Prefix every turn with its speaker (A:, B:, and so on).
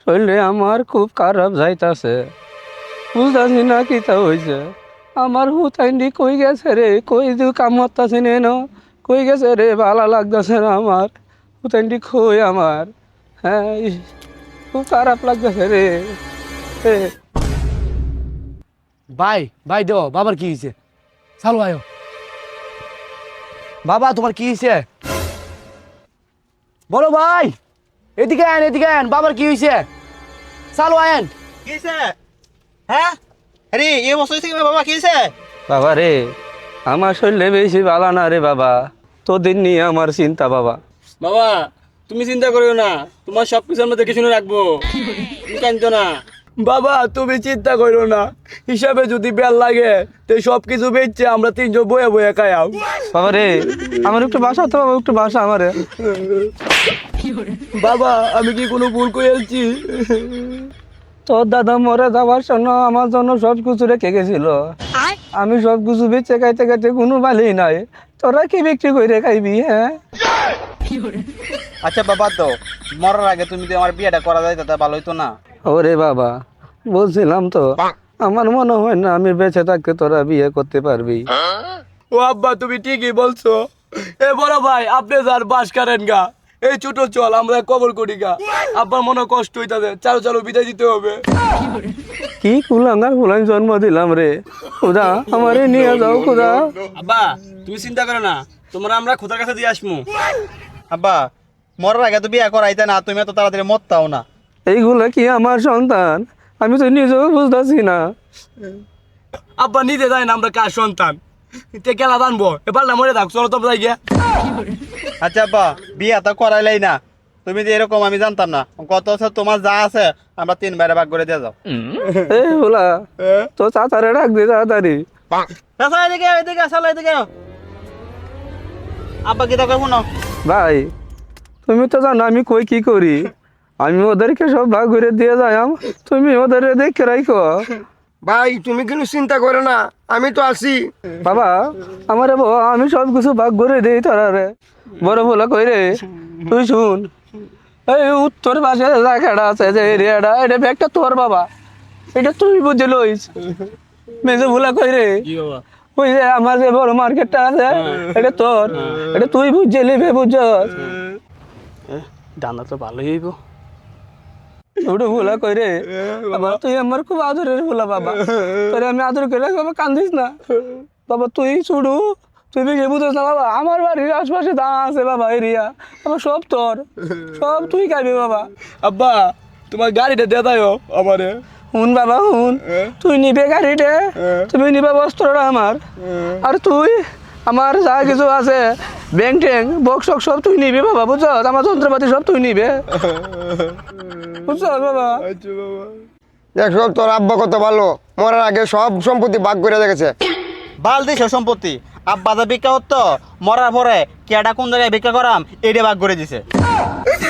A: শরীরে আমার খুব খারাপ যাইতাছে, বুঝতেছি না কিতা হয়েছে। আমার হুতাইন্ডি কই গেছে রে, কই দু কাম হতাছে নেন, কই গেছে রে, ভালো লাগতেছে না আমার হুতাইন্ডি কই আমার। হ্যাঁ খুব খারাপ লাগতেছে রে। এ,
B: ভাই ভাই দেও বাবার কি হয়েছে? চালু আয়ো। বাবা তোমার কি হয়েছে বলো ভাই। এদিকে আন এদিকে আন, বাবার কি হয়েছে? চালু আয়েন।
C: কি হয়েছে? হ্যাঁ আরে এই বছর হয়েছে কি বাবা, কি হয়েছে?
A: বাবা রে, আমার শরীরে বেশি ভালো না রে বাবা, তোদের নিয়ে আমার চিন্তা বাবা।
D: বাবা তুমি চিন্তা করিও না, তোমার সব কিছু আমরা দেখে শুনে রাখবো, তুমি কাঁদো না।
B: বাবা তুমি চিন্তা করো না, হিসাবে যদি বেল লাগে তো সব কিছু বেচছে আমরা তিনজন বয়ে বয়ে খাইয়াও।
A: বাবা রে, আমার একটু বাসা তো বাবা, একটু বাসা আমারে।
B: বাবা আমি কি কোনো ভুল করেছি?
A: তোর দাদা মরে যাওয়ার জন্য আমার জন্য সব কিছু রেখে গেছিল, আমি সব কিছু বেচে খাইতে খাইতে কোনো ভালোই নাই, তোরা কি বিক্রি করে খাইবি? হ্যাঁ
C: আচ্ছা বাবা, তো মরার আগে তুমি যদি আমার বিয়েটা করা যায় তাতে ভালো হইতো না?
A: ওরে বাবা, বলছিলাম তো, আমার মনে হয় না আমি বেঁচে থাকতে তোরা বিয়ে করতে পারবি।
B: ও আব্বা তুমি ঠিকই বলছো। এ বড় ভাই আপনি যার বাস করেন গা, এই ছোট চল আমরা কবর করি গা। আব্বার মনে কষ্ট হইতাছে, চালু চালু বিদায় দিতে হবে।
A: কি কুলাঙ্গার ফুলাং জন্ম দিলাম রে, খুদা আমারে নিয়ে যাও খুদা।
D: আব্বা তুমি চিন্তা করো না, তোমরা আমরা খোদার কাছে দিয়ে আসবো।
C: আব্বা মরার আগে তো বিয়ে করাইতে না, তুমি এত তাড়াতাড়ি মরতাও না।
A: এইগুলা কি আমার সন্তান? আমি তো নিজেও বুঝতেছি না।
B: আব্বা নিতে যায় না আমরা কার সন্তান, তে কেলা জানবো, এবার না মরে থাক, চলো তোমরা গিয়ে।
C: আচ্ছা আব্বা বিয়ে তো করাইলাই না, তুমি যে এরকম আমি জানতাম না। কত আছে তোমার যা আছে আমরা তিন বাইরে ভাগ করে দিয়ে যাও।
A: এই বলা তো চাচারে ডাক দে তাড়াতাড়ি।
C: আচ্ছা এদিকে এদিকে আসলে এদিকে আব্বা কি তা করবো না?
A: ভাই তুমি তো জানো আমি কই কি করি, আমি ওদেরকে সব ভাগ করে দিয়ে যাই, তুমি ওদের দেখে রাখো।
E: ভাই তুমি কিন্তু চিন্তা করো না, আমি তো আছি।
A: বাবা আমারে আমি সব কিছু ভাগ করে দিই তোরা রে। বড় বলা কই রে, তুই শুন, এই উত্তর পাশে জায়গাটা আছে যে এরিয়াটা, এটা ব্যাগটা তোর বাবা, এটা তুই বুঝে লইস। মেজে ভুলা কই রে,
D: কি বাবা?
A: ওই যে আমার যে বড় মার্কেটটা আছে এটা তোর, এটা তুই বুঝে নিবি, বুঝছস?
D: দানা তো ভালোই হইব।
A: ওটা ভুলা কই রে বাবা, তুই আমার খুব আদরের ভুলা বাবা, তোরে আমি আদর করে বাবা, কান্দিস না বাবা, তুই ছুড়ু, তুই বেশি বুঝছ না বাবা, আমার বাড়ির আশপাশে দা আছে বাবা এরিয়া, বাবা সব তোর, সব তুই খাবি বাবা।
B: আব্বা তোমার গাড়িটা দিয়ে দাও আমারে।
A: হুন বাবা হুন, তুই নিবে গাড়িতে, তুমি নিবে বস্ত্রটা আমার, আর তুই আমার যা কিছু আছে ব্যাংক ট্যাঙ্ক বক্স সব তুই নিবি বাবা, বুঝছ? আমার যন্ত্রপাতি সব তুই নিবে, বুঝছ বাবা?
E: দেখো তোর আব্বা কত ভালো, মরার আগে সব সম্পত্তি ভাগ করে রেখেছে।
C: বাল দিছ সম্পত্তি, আব্বা যা ভিক্ষা করতো মরার পরে কেডা কোন জায়গায় ভিক্ষা করাম এটা ভাগ করে দিছে।